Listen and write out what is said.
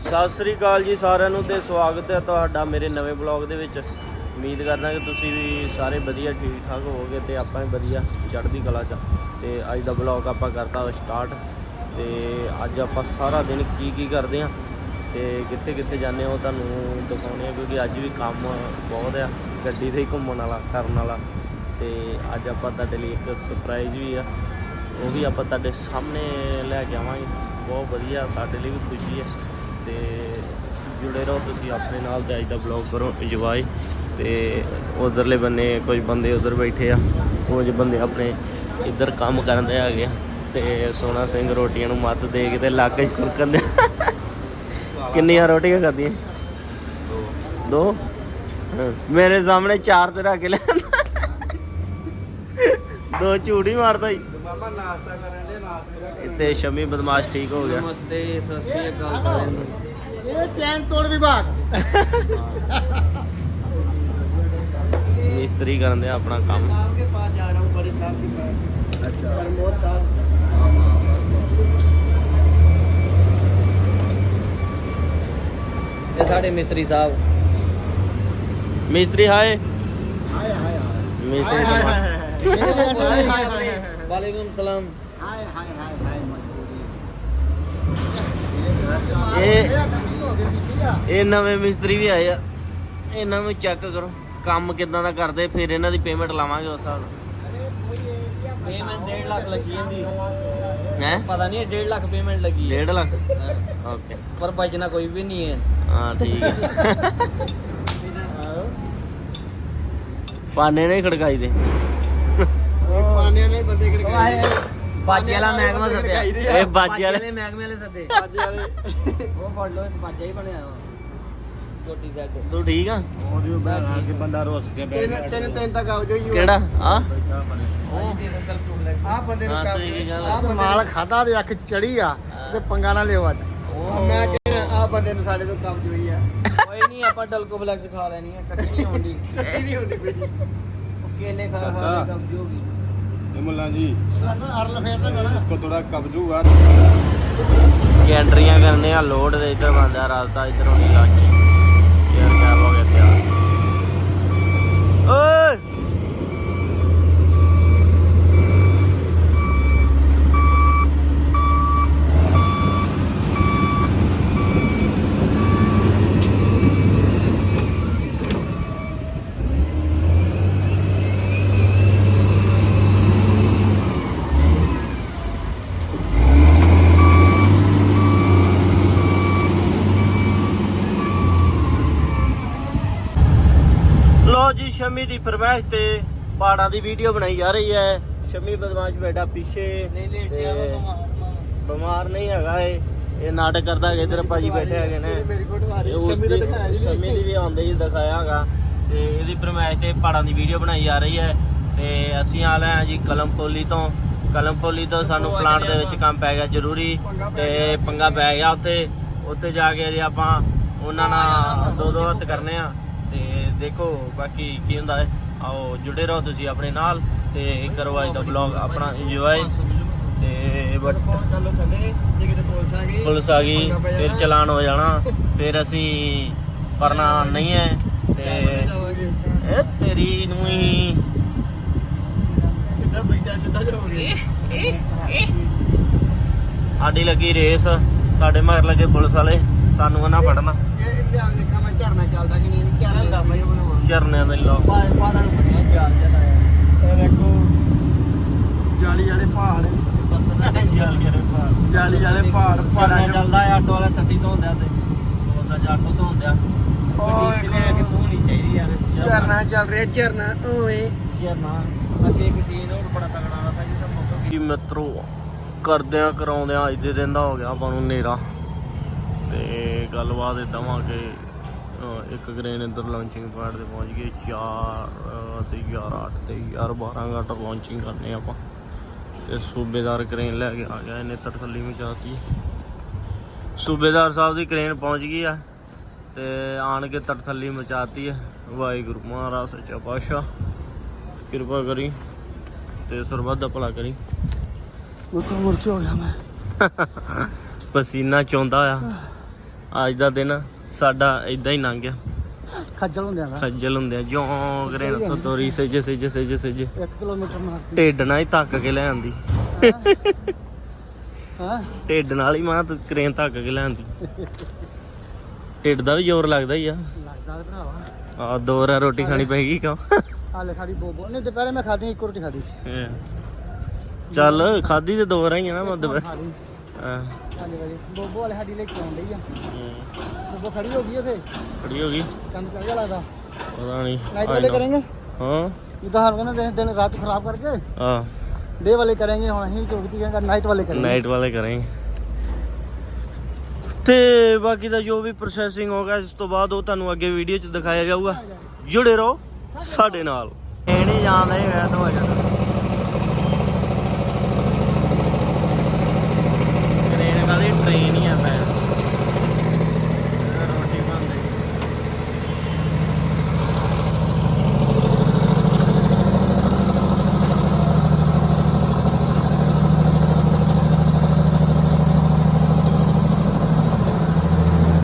ਸਤਿ ਸ੍ਰੀ ਅਕਾਲ ਜੀ ਸਾਰਿਆਂ ਨੂੰ ਤੇ ਸਵਾਗਤ ਹੈ ਤੁਹਾਡਾ ਮੇਰੇ ਨਵੇਂ ਬਲੌਗ ਦੇ ਵਿੱਚ। ਉਮੀਦ ਕਰਦਾ ਕਿ ਤੁਸੀਂ ਵੀ ਸਾਰੇ ਵਧੀਆ ਠੀਕ ਠਾਕ ਹੋਵੋਗੇ ਤੇ ਆਪਾਂ ਵੀ ਵਧੀਆ ਚੜ੍ਹਦੀ ਕਲਾ 'ਚ। ਤੇ ਅੱਜ ਦਾ ਬਲੌਗ ਆਪਾਂ ਕਰਤਾ ਸਟਾਰਟ। ਤੇ ਅੱਜ ਆਪਾਂ ਸਾਰਾ ਦਿਨ ਕੀ ਕਰਦੇ ਹਾਂ ਤੇ ਕਿੱਥੇ ਕਿੱਥੇ ਜਾਂਦੇ ਹਾਂ ਉਹ ਤੁਹਾਨੂੰ ਦਿਖਾਉਂਦੇ ਹਾਂ, ਕਿਉਂਕਿ ਅੱਜ ਵੀ ਕੰਮ ਬਹੁਤ ਆ ਗੱਡੀ 'ਤੇ ਹੀ ਘੁੰਮਣ ਵਾਲਾ ਕਰਨ ਵਾਲਾ। ਤੇ ਅੱਜ ਆਪਾਂ ਤੁਹਾਡੇ ਲਈ ਇੱਕ ਸਰਪ੍ਰਾਈਜ਼ ਵੀ ਆ, ਉਹ ਵੀ ਆਪਾਂ ਤੁਹਾਡੇ ਸਾਹਮਣੇ ਲੈ ਕੇ ਆਵਾਂਗੇ। ਬਹੁਤ ਵਧੀਆ, ਸਾਡੇ ਲਈ ਵੀ ਖੁਸ਼ੀ ਹੈ। ਤੇ ਜੁੜੇ ਰਹੋ ਤੁਸੀਂ ਆਪਣੇ ਨਾਲ ਤੇ ਅੱਜ ਦਾ ਬਲੌਗ ਕਰੋ ਇੰਜੋਏ। ਤੇ ਉਧਰਲੇ ਬੰਨੇ ਕੁਝ ਬੰਦੇ ਉਧਰ ਬੈਠੇ ਆ, ਕੁਝ ਬੰਦੇ ਆਪਣੇ ਇੱਧਰ ਕੰਮ ਕਰਦੇ ਹੈਗੇ ਆ। ਤੇ ਸੋਹਣਾ ਸਿੰਘ ਰੋਟੀਆਂ ਨੂੰ ਮੱਤ ਦੇ ਕੇ ਤੇ ਲੱਗ ਖੁਰਕਣ ਦੇ। ਕਿੰਨੀਆਂ ਰੋਟੀਆਂ ਖਾਧੀਆਂ? ਦੋ। ਮੇਰੇ ਸਾਹਮਣੇ 4 ਤੇ ਰੱਖ ਲੈ, 2 ਝੂਠ ਹੀ ਮਾਰਦਾ ਹੀ। ਨਾਸ਼ਤਾ ਕਰਨ ਦੇ ਨਾਸ਼ਤੇ ਇੱਥੇ ਸ਼ਮੀ ਬਦਮਾਸ਼ ਠੀਕ ਹੋ ਗਿਆ। ਨਮਸਤੇ, ਸਤਿ ਸ੍ਰੀ ਅਕਾਲ ਸਾਰਿਆਂ ਨੂੰ। ਇਹ ਚੈਨ ਤੋੜ ਵਿਭਾਗ ਮਿਸਤਰੀ ਕਰਨ ਦੇ ਆਪਣਾ ਕੰਮ। साहब के पास जा रहा हूँ, बड़े साहब के पास। अच्छा, प्रमोद साहब। ये साढ़े मिस्त्री साहब। मिस्त्री हाय हाय हाय हाय। मिस्त्री हाय हाय। वालेकुम सलाम। हाय हाय हाय हाय। ਇਹ ਨਵੇਂ ਮਿਸਤਰੀ ਵੀ ਆਏ ਆ, ਇਹਨਾਂ ਨੂੰ ਚੈੱਕ ਕਰੋ ਕੰਮ ਕਿੱਦਾਂ ਦਾ ਕਰਦੇ, ਫਿਰ ਇਹਨਾਂ ਦੀ ਪੇਮੈਂਟ ਲਾਵਾਂਗੇ ਉਸ ਹਿਸਾਬ ਨਾਲ। पेमेंट 1.5 लाख लगी है। ਹੈ पता नहीं 1.5 लाख पेमेंट लगी है। 1.5 ਲੱਖ ਓਕੇ। पर बचना कोई भी नहीं है। ਹਾਂ ਠੀਕ ਹੈ। ਪਾਨੇ ਨਹੀਂ ਖੜਕਾਈ ਦੇ। पाने वाले बंदे बाजे वाला महकमा सद्या। ਇਹ ਬਾਜੇ ਵਾਲੇ महकमे वाले सद्दे। बाजे वाले वो पढ़ लो, बाजा ही बनया छोटी सेट। ਤੂੰ ਠੀਕ ਆ? ਬੰਦਾ ਰੋਸ ਕੇ ਬੈਠ ਗਿਆ। ਤਿੰਨ ਤੱਕ ਆਉ ਜੋ ਕਿਹੜਾ ਆ? ਆ ਬੰਦੇ ਨੂੰ ਹਾਂ, ਤੁਸੀਂ ਕੀ ਗੱਲ ਆ ਮਾਲ ਖਾਦਾ ਤੇ ਅੱਖ ਚੜੀ ਆ ਤੇ ਪੰਗਾ ਨਾ ਲਿਓ ਅੱਜ। ਮੈਂ ਕਹਿੰਦਾ ਆ ਬੰਦੇ ਨੂੰ ਸਾਡੇ ਤੋਂ ਕਬਜ਼ ਹੋਈ ਆ। ਕੋਈ ਨਹੀਂ, ਆਪਾਂ ਡਲਕੋ ਫਲੈਕਸ ਖਾ ਲੈਣੀ ਆ, ਕੱਟੀ ਨਹੀਂ ਹੁੰਦੀ। ਕੱਟੀ ਨਹੀਂ ਹੁੰਦੀ ਕੋਈ ਜੀ। ਕੇਲੇ ਖਾ ਖਾ ਕੇ ਕਬਜ਼ ਹੋਗੀ। ये मुल्ला जी, ਅਰਲ ਫੇਰ ਤਾਂ ਗਣਾ इसको थोड़ा कब्ज हुआ। ਕਿ ਐਂਟਰੀਆਂ ਕਰਨੇ ਆ ਲੋਡ ਦੇ ਇੱਧਰ ਬੰਦਾ ਰਾਸਤਾ ਇੱਧਰ ਹੋਣੀ ਲਾਚੀ ਯਾਰ ਕਿਆ ਹੋ ਗਿਆ ਤਿਆਰ। ਓਏ ਲੋ ਜੀ, ਸ਼ਮੀ ਦੀ ਫਰਮਾਇਸ਼ ਤੇ ਪਹਾੜਾਂ ਦੀ ਵੀਡੀਓ ਬਣਾਈ ਜਾ ਰਹੀ ਹੈ। ਸ਼ਮੀ ਬਦਮਾਸ਼ ਬੈਠਾ ਪਿੱਛੇ, ਬਿਮਾਰ ਨਹੀਂ ਹੈਗਾ ਇਹ ਨਾਟਕ ਕਰਦਾ ਹੈਗਾ। ਇੱਧਰ ਭਾਜੀ ਬੈਠੇ ਹੈਗੇ ਨੇ, ਮੇਰੀ ਫੋਟੋ ਆ ਰਹੀ ਤੇ ਸ਼ਮੀ ਦਾ ਦਿਖਾਇਆ ਜੀ। ਸ਼ਮੀ ਦੀ ਵੀ ਆਉਂਦੇ ਹੀ ਦਿਖਾਇਆ ਹੈਗਾ। ਤੇ ਇਹਦੀ ਫਰਮਾਇਸ਼ ਤੇ ਪਹਾੜਾਂ ਦੀ ਵੀਡੀਓ ਬਣਾਈ ਜਾ ਰਹੀ ਹੈ। ਤੇ ਅਸੀਂ ਆ ਲਏ ਹਾਂ ਜੀ ਕਲਮਪੋਲੀ ਤੋਂ ਸਾਨੂੰ ਪਲਾਂਟ ਦੇ ਵਿੱਚ ਕੰਮ ਪੈ ਗਿਆ ਜ਼ਰੂਰੀ, ਤੇ ਪੰਗਾ ਪੈ ਗਿਆ। ਉੱਥੇ ਜਾ ਕੇ ਜੀ ਆਪਾਂ ਉਹਨਾਂ ਨਾਲ ਦੋ ਹੱਥ ਕਰਨੇ ਆ। ਤੇ ਦੇਖੋ ਬਾਕੀ ਕੀ ਹੁੰਦਾ ਹੈ। ਆਓ ਜੁੜੇ ਰਹੋ ਤੁਸੀਂ ਆਪਣੇ ਨਾਲ ਤੇ ਕਰੋ ਅੱਜ ਦਾ ਵਲੌਗ ਆਪਣਾ ਇੰਜੋਏ। ਤੇ ਫੋਨ ਕਰ ਲੋ ਥੱਲੇ, ਜੇ ਕਿਤੇ ਪੁਲਿਸ ਆ ਗਈ ਫਿਰ ਚਲਾਨ ਹੋ ਜਾਣਾ, ਫਿਰ ਅਸੀਂ ਪਰਨਾ ਨਹੀਂ ਹੈ। ਤੇ ਇਹ ਤੇਰੀ ਨੂੰ ਹੀ ਕਿੱਦਾਂ ਬੈਠਾ ਸਿੱਧਾ ਜਾਓਗੇ। ਸਾਡੀ ਲੱਗੀ ਰੇਸ, ਸਾਡੇ ਮਗਰ ਲੱਗੇ ਪੁਲਿਸ ਵਾਲੇ, ਸਾਨੂੰ ਉਹਨਾਂ ਫੜਨਾ। ਇਹ ਲਿਆ ਦੇਖਾਂ ਮੈਂ ਝਰਨਾ ਚੱਲਦਾ ਕਿ ਨਹੀਂ। ਝਰਨਾ ਵੀਡੀਓ ਬਣਾਵਾਂ। ਝਰਨਿਆਂ ਦੇ ਲੋਕ ਪਹਾੜਾਂ ਨੂੰ ਬਣਿਆ ਚਾਲ ਚਲਾਇਆ। ਇਹ ਦੇਖੋ ਜਾਲੀ ਵਾਲੇ ਪਹਾੜ, ਜਾਲੀ ਵਾਲੇ ਪਹਾੜ। ਪਹਾੜਾਂ ਚੱਲਦਾ ਹੈ ਆਟੋ ਵਾਲਾ ਟੱਟੀ ਧੋਂਦਿਆ ਤੇ ਬਹੁਤ ਸਾਰਾ ਆਟੋ ਧੋਂਦਿਆ। ਤੂੰ ਨਹੀਂ ਚਾਹੀਦੀ ਯਾਰ। ਝਰਨਾ ਚੱਲ ਰਿਹਾ, ਝਰਨਾ ਓਏ ਝਰਨਾ ਅੱਗੇ ਇੱਕ ਸੀਨ ਹੋਰ ਬੜਾ ਤਗੜਾ ਆਉਂਦਾ ਜਿਹਦਾ ਮੌਕਾ ਕੀ ਮਿੱਤਰੋ ਕਰਦਿਆਂ ਕਰਾਉਂਦਿਆਂ ਅੱਜ ਦੇ ਦਿਨ ਦਾ ਹੋ ਗਿਆ ਆਪਾਂ ਨੂੰ ਹਨੇਰਾ। ਤੇ ਗੱਲਬਾਤ ਇਦਾਂ ਵਾ ਕਿ ਇੱਕ ਕ੍ਰੇਨ ਇੱਧਰ ਲਾਂਚਿੰਗ ਪੈਡ ਤੇ ਪਹੁੰਚ ਗਈ। 4 ਤੇ 11 8 ਤੇ 12 ਘੰਟਾ ਲਾਂਚਿੰਗ ਕਰਨੇ ਆਪਾਂ। ਤੇ ਸੂਬੇਦਾਰ ਕ੍ਰੇਨ ਲੈ ਕੇ ਆ ਗਿਆ, ਇਹਨੇ ਤੜਥੱਲੀ ਮਚਾਤੀ। ਸੂਬੇਦਾਰ ਸਾਹਿਬ ਦੀ ਕ੍ਰੇਨ ਪਹੁੰਚ ਗਈ ਆ ਤੇ ਆਣ ਕੇ ਤੜਥੱਲੀ ਮਚਾਤੀ ਹੈ। ਵਾਹਿਗੁਰੂ ਮਹਾਰਾਜ ਸੱਚਾ ਪਾਤਸ਼ਾਹ ਕਿਰਪਾ ਕਰੀ ਤੇ ਸਰਬੱਤ ਦਾ ਭਲਾ ਕਰੀ। ਮੁਰਕੇ ਹੋ ਗਿਆ ਮੈਂ। ਪਸੀਨਾ ਚੋਂਦਾ ਆ। ਅੱਜ ਦਾ ਦਿਨ ਸਾਡਾ ਇਦਾਂ ਹੀ ਲੰਘ ਗਿਆ, ਖੱਜਲ ਹੁੰਦੇ ਆ ਖੱਜਲ ਹੁੰਦੇ ਆ ਜਿਉਂ ਕਰੇ ਨਾ ਤੋਰੀ ਸੱਜ 1 ਕਿਲੋਮੀਟਰ ਮਾਰਦੀ ਢਿੱਡ ਨਾਲ ਹੀ ਧੱਕ ਕੇ ਲੈ ਆਂਦੀ, ਹਾਂ ਢਿੱਡ ਨਾਲ ਹੀ ਮਾਂ ਤੂੰ ਕਰੇਨ ਧੱਕ ਕੇ ਲੈ ਆਂਦੀ। ਢਿੱਡ ਦਾ ਵੀ ਜ਼ੋਰ ਲੱਗਦਾ ਹੀ ਆ। ਲੱਗਦਾ ਤੇ ਭਰਾਵਾ ਆ 2 ਰਾਂ ਰੋਟੀ ਖਾਣੀ ਪੈਗੀ ਕਿਉਂ? ਹਾਲੇ ਖਾੜੀ ਬੋਬੋ ਨਹੀਂ, ਦੁਪਹਿਰੇ ਮੈਂ ਖਾਦੀ 1 ਰੋਟੀ ਖਾਦੀ। ਚੱਲ ਖਾਦੀ ਤੇ 2 ਰਾਂ ਹੀ ਆ ਨਾ ਮੱਦ ਹਾਂ ਹਾਲੇ ਵਾਲੀ ਬੋਬੋ ਵਾਲੇ ਸਾਡੀ ਲੈ ਕੇ ਆਉਣ ਡਈ ਆ। ਬੋਬੋ ਖੜੀ ਹੋ ਗਈ ਉਥੇ, ਖੜੀ ਹੋ ਗਈ, ਕੰਮ ਚੱਲ ਗਿਆ ਲੱਗਦਾ। ਪਤਾ ਨਹੀਂ नाइट वाले करेंगे हाँ इधर हम ना दिन रात खराब करके हाँ डे वाले करेंगे हम ही चौकती का नाइट वाले करेंगे नाइट वाले करेंगे ਤੇ ਬਾਕੀ ਦਾ ਜੋ ਵੀ ਪ੍ਰੋਸੈਸਿੰਗ ਹੋਗਾ ਇਸ ਤੋਂ ਬਾਅਦ ਉਹ ਤੁਹਾਨੂੰ ਅੱਗੇ ਵੀਡੀਓ 'ਚ ਦਿਖਾਇਆ ਜਾਊਗਾ। ਜੁੜੇ ਰਹੋ ਸਾਡੇ ਨਾਲ। ਇਹ ਨਹੀਂ ਜਾਣਦਾ ਮੈਂ ਤਾਂ ਹੋ ਜਾਣਾ